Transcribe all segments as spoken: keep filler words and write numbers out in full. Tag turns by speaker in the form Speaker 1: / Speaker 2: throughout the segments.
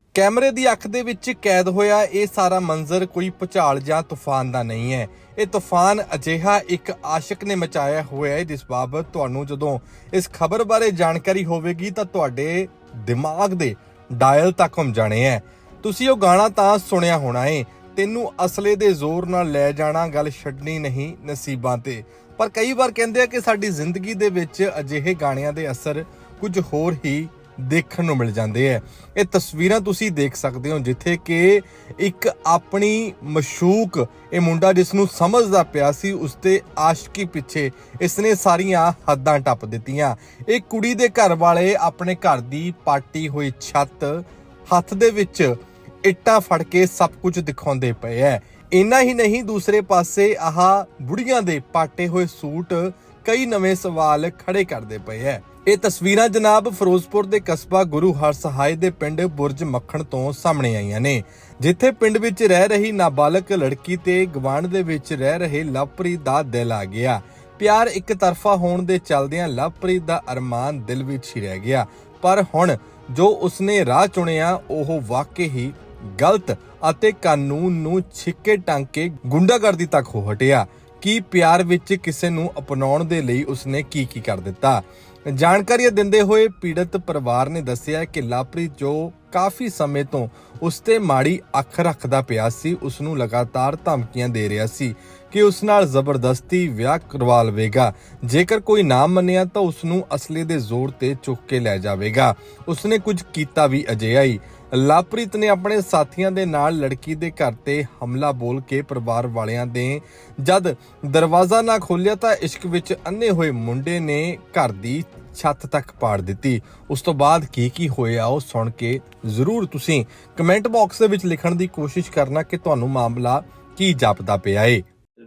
Speaker 1: कैमरे की अख दे विच कैद होया ये सारा मंजर कोई भुचाल जां तूफान का नहीं है। ये तूफान अजिहा एक आशिक ने मचाया होया है जिस बाबत तुहानूं जदों इस खबर बारे जानकारी होवेगी तां तुहाडे दिमाग दे डायल तक हम जाने हैं। तुसीं ओह गाना तां सुनिया होना है, तैनूं असले दे जोर नाल लै जाना गल छड्डनी नहीं नसीबां ते। पर कई बार कहंदे आ कि साडी जिंदगी दे विच अजिहे गाणिਆਂ ਦੇ असर कुछ होर ही देखण ਨੂੰ मिल जाते हैं। ये तस्वीरां तुसीं देख सकते हो जिथे कि एक अपनी मशूक ये मुंडा जिसनूं समझदा पिया सी उसते आशिकी पिछे इसने सारियां हद्दां टप दित्तियां। एक कुड़ी दे घर वाले अपने घर दी पाटी हुई छत हत्थ दे विच इट्टां फड़ के सब कुछ दिखाउंदे पए है। इन्ना ही नहीं दूसरे पासे आह बुढ़ियां दे पाटे हुए सूट कई नवे सवाल खड़े करते पे है। ये तस्वीरां जनाब फिरोजपुर के कस्बा गुरु हरसहाय के पिंड बुरज मक्खण तो सामने आईयां ने, जिथे पिंड विच रह रही नाबालग लड़की ते गवांढ दे विच रह रहे लवप्रीत दा दिल आ गया। प्यार एक तरफा होने दे चलदियां लवप्रीत दा अरमान दिल विच ही रह गया, पर हुण जो उसने राह चुनिया ओह वाकई ही गलत ਅਤੇ ਕਾਨੂੰਨ ਨੂੰ ਛਿੱਕੇ ਟੰਗ ਕੇ ਗੁੰਡਾਗਰਦੀ ਤੱਕ ਹੋ ਹਟਿਆ। ਕਿ ਪਿਆਰ ਵਿੱਚ ਕਿਸੇ ਨੂੰ ਅਪਣਾਉਣ ਦੇ ਲਈ ਉਸਨੇ ਕੀ ਕੀ ਕਰ ਦਿੱਤਾ। ਜਾਣਕਾਰੀ ਦਿੰਦੇ ਹੋਏ ਪੀੜਤ ਪਰਿਵਾਰ ਨੇ ਦੱਸਿਆ ਕਿ ਲਵਪ੍ਰੀਤ ਜੋ ਕਾਫੀ ਸਮੇਂ ਤੋਂ ਉਸ ਤੇ ਮਾੜੀ ਅੱਖ ਰੱਖਦਾ ਪਿਆ ਸੀ, ਉਸ ਨੂੰ ਲਗਾਤਾਰ ਧਮਕੀਆਂ ਦੇ ਰਿਹਾ ਸੀ ਕਿ ਉਸ ਨਾਲ ਜ਼ਬਰਦਸਤੀ ਵਿਆਹ ਕਰਵਾ ਲਵੇਗਾ, ਜੇਕਰ ਕੋਈ ਨਾ ਮੰਨਿਆ ਤਾਂ ਉਸ ਨੂੰ ਅਸਲੇ ਦੇ ਜ਼ੋਰ ਤੇ ਚੁੱਕ ਕੇ ਲੈ ਜਾਵੇਗਾ। ਉਸਨੇ ਕੁਝ ਕੀਤਾ ਵੀ ਅਜਿਹਾ ਹੀ। ਲਵਪ੍ਰੀਤ ਨੇ ਆਪਣੇ ਸਾਥੀਆਂ ਦੇ ਨਾਲ ਲੜਕੀ ਦੇ ਘਰ ਤੇ ਹਮਲਾ ਬੋਲ ਕੇ ਪਰਿਵਾਰ ਵਾਲਿਆਂ ਦੇ ਜਦ ਦਰਵਾਜ਼ਾ ਨਾ ਖੋਲ੍ਹਿਆ ਤਾਂ ਇਸ਼ਕ ਵਿੱਚ ਅੰਨੇ ਹੋਏ ਮੁੰਡੇ ਨੇ ਘਰ ਦੀ ਛੱਤ ਤੱਕ ਪਾੜ ਦਿੱਤੀ। ਉਸ ਤੋਂ ਬਾਅਦ ਕੀ ਕੀ ਹੋਇਆ ਉਹ ਸੁਣ ਕੇ ਜ਼ਰੂਰ ਤੁਸੀਂ ਕਮੈਂਟ ਬਾਕਸ ਦੇ ਵਿੱਚ ਲਿਖਣ ਦੀ ਕੋਸ਼ਿਸ਼ ਕਰਨਾ ਕਿ ਤੁਹਾਨੂੰ ਮਾਮਲਾ ਕੀ ਜਾਪਦਾ ਪਿਆ ਏ।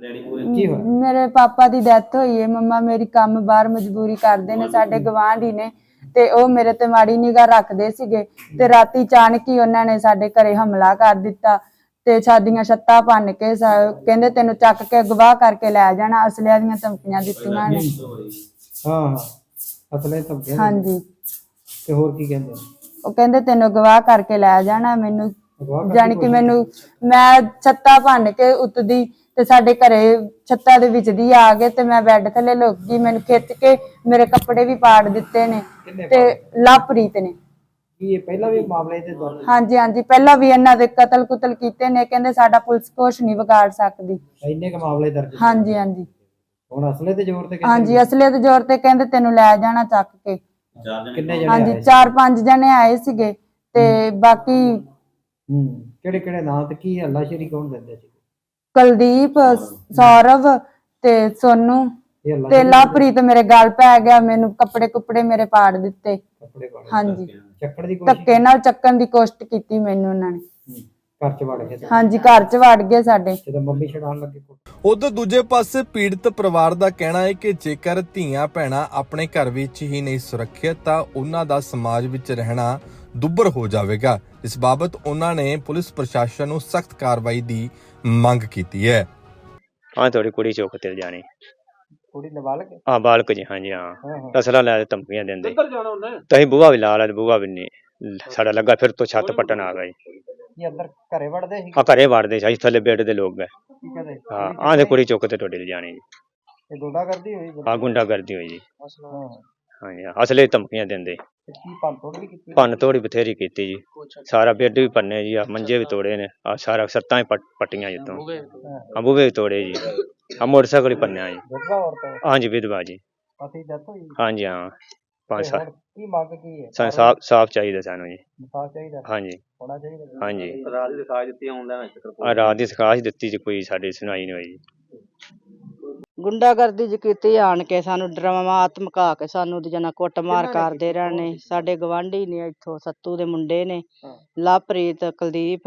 Speaker 2: ਮੇਰੇ ਪਾਪਾ ਦੀ ਡੈਥ ਹੋਈ ਹੈ। ਮੰਮਾ ਮੇਰੀ ਕੰਮ ਬਾਹਰ ਮਜਬੂਰੀ ਕਰਦੇ ਨੇ, ਸਾਡੇ ਗਵਾਂਢੀ ਨੇ ਤੇ ਉਹ ਮੇਰੇ ਤੇ ਮਾੜੀ ਨਿਗਾਹ ਰੱਖਦੇ ਸੀਗੇ ਤੇ ਰਾਤੀ ਅਚਾਨਕ ਹੀ ਉਹਨਾਂ ਨੇ ਸਾਡੇ ਘਰੇ ਹਮਲਾ ਕਰ ਦਿੱਤਾ ਤੇ ਸਾਡੀਆਂ ਛੱਤਾਂ ਭੰਨ ਕੇ ਕਹਿੰਦੇ ਤੈਨੂੰ ਚੱਕ ਕੇ ਗਵਾਹ ਕਰਕੇ ਲੈ ਜਾਣਾ। ਅਸਲਿਆਂ ਦੀਆਂ ਧਮਕੀਆਂ ਦਿੱਤੀਆਂ ਨੇ।
Speaker 3: ਹਾਂ ਹਾਂ ਅਸਲੇ ਧਮਕੀਆਂ।
Speaker 2: ਹਾਂਜੀ
Speaker 3: ਤੇ ਹੋਰ ਕੀ ਕਹਿੰਦੇ?
Speaker 2: ਉਹ ਕਹਿੰਦੇ ਤੈਨੂੰ ਗਵਾਹ ਕਰਕੇ ਲੈ ਜਾਣਾ। ਮੈਨੂੰ ਜਾਣੀ ਕਿ ਮੈਨੂੰ ਮੈਂ ਛੱਤਾਂ ਭੰਨ ਕੇ ਉੱਤਦੀ ਤੇ ਸਾਡੇ ਘਰੇ ਛੱਤਾਂ ਦੇ ਵਿੱਚ ਦੀ ਆ ਗਏ ਤੇ ਮੈਂ ਬੈੱਡ ਥੱਲੇ ਲੁਕ ਗਈ। ਮੈਨੂੰ ਖਿੱਚ ਕੇ ਮੇਰੇ ਕੱਪੜੇ ਵੀ ਪਾੜ ਦਿੱਤੇ ਨੇ ਤੇ ਲਵਪ੍ਰੀਤ ਨੇ।
Speaker 3: ਕੀ ਇਹ ਪਹਿਲਾਂ ਵੀ ਮਾਮਲੇ ਤੇ ਦਰਜ?
Speaker 2: ਹਾਂਜੀ ਹਾਂਜੀ ਪਹਿਲਾਂ ਵੀ ਇਹਨਾਂ ਦੇ ਕਤਲ ਕੁਤਲ ਕੀਤੇ ਨੇ। ਕਹਿੰਦੇ ਸਾਡਾ ਪੁਲਿਸ ਕੁਛ ਨਹੀਂ ਵਿਗਾੜ ਸਕਦੀ।
Speaker 3: ਇੰਨੇ ਕ ਮਾਮਲੇ ਦਰਜ?
Speaker 2: ਹਾਂਜੀ ਹਾਂਜੀ।
Speaker 3: ਹੁਣ ਅਸਲੇ ਤੇ ਜ਼ੋਰ ਤੇ?
Speaker 2: ਹਾਂਜੀ ਅਸਲੇ ਤੇ ਜ਼ੋਰ ਤੇ ਕਹਿੰਦੇ ਤੈਨੂੰ ਲੈ ਜਾਣਾ ਚੱਕ ਕੇ।
Speaker 3: ਕਿੰਨੇ ਜਣੇ?
Speaker 2: ਹਾਂਜੀ ਚਾਰ ਪੰਜ ਜਣੇ ਆਏ ਸੀਗੇ ਤੇ ਬਾਕੀ
Speaker 3: ਹੂੰ ਕਿਹੜੇ ਕਿਹੜੇ ਨਾਂ ਤੇ ਕੀ ਹੱਲਾਸ਼ੇਰੀ ਕੌਣ ਦਿੰਦੇ ਸੀ?
Speaker 2: ਕੁਲਦੀਪ, ਸੌਰਵ ਤੇ ਸੋਨੂ ਤੇ ਲਵਪ੍ਰੀਤ ਮੇਰੇ ਗਲ ਪੈ ਗਿਆ। ਮੈਨੂੰ ਕੱਪੜੇ ਕੁੱਪੜੇ ਮੇਰੇ ਪਾੜ ਦਿੱਤੇ। ਹਾਂਜੀ
Speaker 3: ਚੱਕਣ ਦੀ ਕੋਸ਼ਿਸ਼?
Speaker 2: ਧੱਕੇ ਨਾਲ ਚੱਕਣ ਦੀ ਕੋਸ਼ਿਸ਼ ਕੀਤੀ ਮੈਨੂੰ ਉਹਨਾਂ ਨੇ।
Speaker 3: ਘਰ ਚ ਵੜ ਗਏ?
Speaker 2: ਹਾਂਜੀ ਘਰ ਚ ਵੜ ਗਏ ਸਾਡੇ।
Speaker 3: ਜਦੋਂ ਮੰਮੀ ਛਡਾਉਣ ਲੱਗੇ?
Speaker 1: ਉਧਰ ਦੂਜੇ ਪਾਸੇ ਪੀੜਤ ਪਰਿਵਾਰ ਦਾ ਕਹਿਣਾ ਹੈ ਕਿ ਜੇਕਰ ਧੀਆਂ ਭੈਣਾਂ ਆਪਣੇ ਘਰ ਵਿੱਚ ਹੀ ਨਹੀਂ ਸੁਰੱਖਿਅਤ ਤਾਂ ਉਹਨਾਂ ਦਾ ਸਮਾਜ ਵਿੱਚ ਰਹਿਣਾ ਦੁੱਬਰ ਹੋ ਜਾਵੇਗਾ। ਇਸ ਬਾਬਤ ਉਹਨਾਂ ਨੇ ਪੁਲਿਸ ਪ੍ਰਸ਼ਾਸਨ ਨੂੰ ਸਖਤ ਕਾਰਵਾਈ ਦੀ ਮੰਗ ਕੀਤੀ ਹੈ।
Speaker 4: ਹਾਂ ਤੁਹਾਡੀ ਕੁੜੀ ਚੁੱਕ ਤੇ ਜਾਣੀ।
Speaker 3: ਕੁੜੀ ਨਾਬਾਲਗ?
Speaker 4: ਹਾਂ ਬਾਲਕ ਜੀ। ਹਾਂਜੀ ਹਾਂ ਅਸਲਾ ਲੈ ਕੇ ਧਮਕੀਆਂ ਦਿੰਦੇ। ਤੁਸੀਂ ਬੂਹਾ ਵੀ ਲਾ ਲਿਆ, ਬੂਹਾ ਵੀ ਨਹੀਂ ਸਾਡਾ ਲੱਗਾ, ਫਿਰ ਤੋਂ ਛੱਤ ਪੱਟਣ ਆ ਗਏ।
Speaker 3: ਇਹ ਅੰਦਰ ਘਰੇ ਵੜਦੇ ਸੀ?
Speaker 4: ਹਾਂ ਘਰੇ ਵੜਦੇ ਸੀ, ਥੱਲੇ ਬੈੱਡ ਦੇ ਲੋਕ ਗਏ। ਹਾਂ ਆਹ ਤੇ ਕੁੜੀ ਚੁੱਕ ਤੇ ਤੁਹਾਡੇ ਲੈ ਜਾਣੀ ਜੀ।
Speaker 3: ਇਹ ਗੁੰਡਾਗਰਦੀ ਹੋਈ?
Speaker 4: ਹਾਂ ਗੁੰਡਾਗਰਦੀ ਹੋਈ ਜੀ। ਹਾਂਜੀ ਅਸਲੇ ਧਮਕੀਆਂ ਦਿੰਦੇ।
Speaker 3: ਕੀ ਭੰਨ ਤੋੜ ਵੀ ਕੀਤੀ?
Speaker 4: ਭੰਨ ਤੋੜ ਬਥੇਰੀ ਕੀਤੀ ਜੀ। ਸਾਰਾ ਬੈੱਡ ਵੀ ਭੰਨੇ ਜੀ, ਆ ਮੰਜੇ ਵੀ ਤੋੜੇ ਨੇ, ਆ ਸਾਰਾ ਸੱਤਾਂ ਹੀ ਪੱਟੀਆਂ ਜਿੱਤੋਂ। ਹਾਂ ਬੂਹੇ ਵੀ ਤੋੜੇ ਜੀ, ਆ ਮੋਟਰਸਾਈਕਲ ਹੀ ਭੰਨਿਆ ਜੀ। ਹਾਂਜੀ ਵਿਧਵਾ ਜੀ। ਹਾਂਜੀ ਹਾਂ ਪੰਜ ਸਾਲ।
Speaker 3: ਕੀ ਮੰਗ ਕੀ ਹੈ?
Speaker 4: ਸਾਨੂੰ ਸਾਫ ਸਾਫ ਚਾਹੀਦਾ ਸਾਨੂੰ ਜੀ।
Speaker 3: ਸਾਫ ਚਾਹੀਦਾ?
Speaker 4: ਹਾਂਜੀ
Speaker 3: ਹੋਣਾ ਚਾਹੀਦਾ।
Speaker 4: ਹਾਂਜੀ
Speaker 3: ਰਾਤ ਦੀ ਦਿਖਾਈ ਦਿੱਤੀ ਆਨਲਾਈਨ?
Speaker 4: ਆ ਰਾਤ ਦੀ ਸਿਖਾਸ਼ ਦਿੱਤੀ ਜੀ, ਕੋਈ ਸਾਡੀ ਸੁਣਾਈ ਨਹੀਂ ਹੋਈ।
Speaker 5: ਗੁੰਡਾਗਰਦੀ ਜੀ ਕੀਤੀ ਆਣ ਕੇ, ਸਾਨੂੰ ਡਰਾਮਾ ਧਮਕਾ ਕੇ ਸਾਨੂੰ ਜਨਾ ਕੁੱਟਮਾਰ ਕਰਦੇ ਰਹਿਣੇ। ਸਾਡੇ ਗਵਾਂਢੀ ਨੇ ਇੱਥੋਂ ਸੱਤੂ ਦੇ ਮੁੰਡੇ ਨੇ, ਲਵਪ੍ਰੀਤ, ਕੁਲਦੀਪ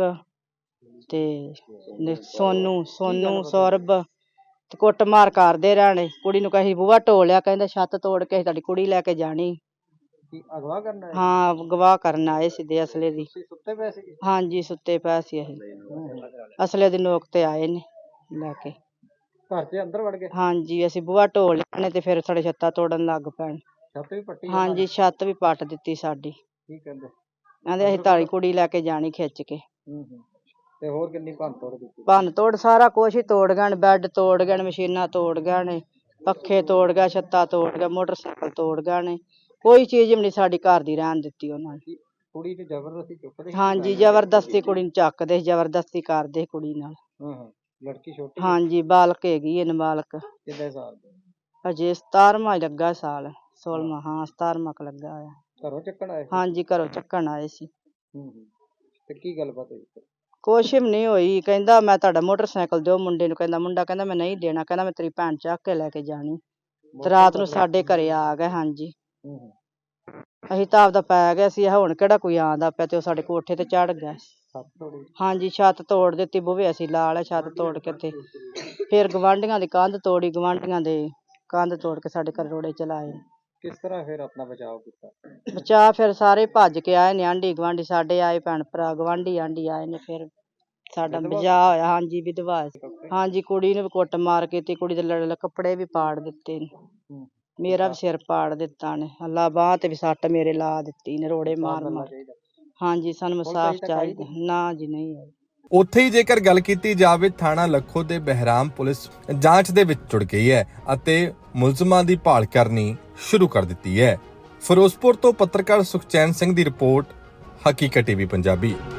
Speaker 5: ਤੇ ਸੋਨੂ ਸੋਨੂ ਸੌਰਭ ਤੇ ਕੁੱਟਮਾਰ ਕਰਦੇ ਰਹਿਣੇ। ਕੁੜੀ ਨੂੰ ਕਹੀ ਬੂਹਾ ਢੋਲਿਆ, ਕਹਿੰਦਾ ਛੱਤ ਤੋੜ ਕੇ ਤੁਹਾਡੀ ਕੁੜੀ ਲੈ ਕੇ ਜਾਣੀ।
Speaker 3: ਅਗਵਾ ਕਰਨਾ?
Speaker 5: ਹਾਂ ਗਵਾਹ ਕਰਨ ਆਏ ਸਿੱਧੇ ਅਸਲੇ ਦੀ।
Speaker 3: ਸੁੱਤੇ ਪਏ ਸੀ?
Speaker 5: ਹਾਂਜੀ ਸੁੱਤੇ ਪਏ ਸੀ ਅਸੀਂ। ਅਸਲੇ ਦੀ ਨੋਕ ਤੇ ਆਏ ਨੇ ਲੈ ਕੇ।
Speaker 3: ਘਰ ਦੇ ਅੰਦਰ ਵੜ ਗਏ?
Speaker 5: ਹਾਂਜੀ ਅਸੀਂ ਬੂਹਾ ਢੋਲ ਲੈਣੇ ਤੇ ਫਿਰ ਸਾਡੇ ਛੱਤਾਂ ਤੋੜਨ ਲੱਗ ਪੈਣ।
Speaker 3: ਛੱਤ ਵੀ ਪੱਟੀ?
Speaker 5: ਹਾਂਜੀ ਛੱਤ ਵੀ ਪੱਟ ਦਿੱਤੀ ਸਾਡੀ।
Speaker 3: ਕੀ ਕਹਿੰਦੇ?
Speaker 5: ਕਹਿੰਦੇ ਅਸੀਂ ਤਾਲੀ ਕੁੜੀ ਲੈ ਕੇ ਜਾਣੀ ਖਿੱਚ ਕੇ।
Speaker 3: ਹੂੰ ਹੂੰ ਤੇ ਹੋਰ ਕਿੰਨੀ ਭੰਨ ਤੋੜ ਕੀਤੀ?
Speaker 5: ਭੰਨ ਤੋੜ ਸਾਰਾ ਕੁਛ ਹੀ ਤੋੜ ਗਏ ਨੇ, ਬੈੱਡ ਤੋੜ ਗਏ ਨੇ, ਮਸ਼ੀਨਾਂ ਤੋੜ ਗਏ ਨੇ, ਪੱਖੇ ਤੋੜ ਗਏ, ਛੱਤਾਂ ਤੋੜ ਗਏ, ਮੋਟਰਸਾਈਕਲ ਤੋੜ ਗਏ ਨੇ, ਕੋਈ ਚੀਜ਼ ਵੀ ਨਹੀਂ ਸਾਡੀ ਘਰ ਦੀ ਰਹਿਣ ਦਿੱਤੀ ਉਹਨਾਂ ਨੇ।
Speaker 3: ਕੁੜੀ ਤੇ ਜ਼ਬਰਦਸਤੀ ਚੁੱਕਦੇ ਸੀ?
Speaker 5: ਹਾਂਜੀ ਜ਼ਬਰਦਸਤੀ ਕੁੜੀ ਨੂੰ ਚੱਕਦੇ ਸੀ, ਜ਼ਬਰਦਸਤੀ ਕਰਦੇ ਸੀ ਕੁੜੀ ਨਾਲ।
Speaker 3: ਹਾਂ ਹਾਂ ਲੜਕੀ ਛੋਟੀ?
Speaker 5: ਹਾਂਜੀ ਬਾਲਕ ਹੈਗੀ ਹੈ, ਨਾਬਾਲਗ,
Speaker 3: ਕਿੰਨੇ ਸਾਲ ਦੀ?
Speaker 5: ਅਜੇ ਸਤਾਰਵਾਂ ਹੀ ਲੱਗਾ ਸਾਲ, ਸੋਲਵਾਂ ਹਾਂ ਸਤਾਰਵਾਂ ਕ ਲੱਗਾ ਹੋਇਆ।
Speaker 3: ਘਰੋਂ ਚੱਕਣ ਆਏ ਸੀ?
Speaker 5: ਹਾਂਜੀ ਘਰੋਂ ਚੱਕਣ ਆਏ ਸੀ।
Speaker 3: ਹੂੰ ਹੂੰ ਤੇ ਕੀ ਗੱਲਬਾਤ ਹੋਈ ਫਿਰ?
Speaker 5: ਕੁਛ ਵੀ ਨਹੀਂ ਹੋਈ, ਕਹਿੰਦਾ ਮੈਂ ਤੁਹਾਡਾ ਮੋਟਰਸਾਈਕਲ ਦਿਓ ਮੁੰਡੇ ਨੂੰ, ਕਹਿੰਦਾ ਮੁੰਡਾ ਕਹਿੰਦਾ ਮੈਂ ਨਹੀਂ ਦੇਣਾ, ਕਹਿੰਦਾ ਮੈਂ ਤੇਰੀ ਭੈਣ ਚੱਕ ਕੇ ਲੈ ਕੇ ਜਾਣੀ। ਤੇ ਰਾਤ ਨੂੰ ਸਾਡੇ ਘਰੇ ਆ ਗਏ। ਹਾਂਜੀ
Speaker 3: ਹੂੰ ਹੂੰ
Speaker 5: ਅਸੀਂ ਤਾਂ ਆਪਦਾ ਪੈ ਗਏ ਸੀ, ਹੁਣ ਕਿਹੜਾ ਕੋਈ ਆਂਦਾ ਪਿਆ, ਤੇ ਉਹ ਸਾਡੇ ਕੋਠੇ ਤੇ ਚੜ ਗਿਆ।
Speaker 3: ਸੱਤ ਤੋੜੀ?
Speaker 5: ਹਾਂਜੀ ਛੱਤ ਤੋੜ ਦਿੱਤੀ, ਬੂਹੇ ਅਸੀਂ ਲਾ ਲਏ, ਛੱਤ ਤੋੜ ਕੇ ਤੇ ਫਿਰ ਗਵਾਂਢੀਆਂ ਦੀ ਕੰਧ ਤੋੜੀ, ਗਵਾਂਢੀਆਂ ਦੇ ਕੰਧ ਤੋੜ ਕੇ ਸਾਡੇ ਘਰ ਰੋੜੇ ਚਲਾਏ।
Speaker 3: ਕਿਸ ਤਰ੍ਹਾਂ ਫਿਰ ਆਪਣਾ ਬਚਾਅ ਕੀਤਾ?
Speaker 5: ਬਚਾ ਫਿਰ ਸਾਰੇ ਭੱਜ ਕੇ ਆਏ ਨੇ, ਆਂਢੀ ਗੁਆਂਢੀ ਸਾਡੇ ਆਏ, ਭੈਣ ਭਰਾ ਗਵਾਂਢੀ ਆਂਢੀ ਆਏ ਨੇ, ਫਿਰ ਸਾਡਾ ਬਚਾਅ ਹੋਇਆ। ਹਾਂਜੀ ਵਿਧਵਾ ਸੀ। ਹਾਂਜੀ ਕੁੜੀ ਨੂੰ ਵੀ ਕੁੱਟ ਮਾਰ ਕੀਤੀ, ਕੁੜੀ ਦੇ ਲੜ ਕੱਪੜੇ ਵੀ ਪਾੜ ਦਿੱਤੇ ਨੇ,
Speaker 3: ਹੂੰ
Speaker 5: ਮੇਰਾ ਵੀ ਸਿਰ ਪਾੜ ਦਿੱਤਾ ਨੇ, ਅੱਲਾ ਬਾਂਹ ਤੇ ਵੀ ਸੱਟ ਮੇਰੇ ਲਾ ਦਿੱਤੀ ਨੇ, ਰੋੜੇ ਮਾਰ ਮਾਰ। ਹਾਂਜੀ ਸਾਨੂੰ ਇਨਸਾਫ਼ ਚਾਹੀਦਾ। ਨਾ ਜੀ ਨਹੀਂ ਆਈ।
Speaker 1: ਉੱਥੇ ਹੀ ਜੇਕਰ ਗੱਲ ਕੀਤੀ ਜਾਵੇ, ਥਾਣਾ ਲੱਖੋ ਦੇ ਬਹਿਰਾਮ ਪੁਲਿਸ ਜਾਂਚ ਦੇ ਵਿੱਚ ਜੁੜ ਗਈ ਹੈ ਅਤੇ ਮੁਲਜ਼ਮਾਂ ਦੀ ਭਾਲ ਕਰਨੀ ਸ਼ੁਰੂ ਕਰ ਦਿੱਤੀ ਹੈ। ਫਿਰੋਜ਼ਪੁਰ ਤੋਂ ਪੱਤਰਕਾਰ ਸੁਖਚੈਨ ਸਿੰਘ ਦੀ ਰਿਪੋਰਟ, ਹਕੀਕਤ ਟੀਵੀ ਪੰਜਾਬੀ।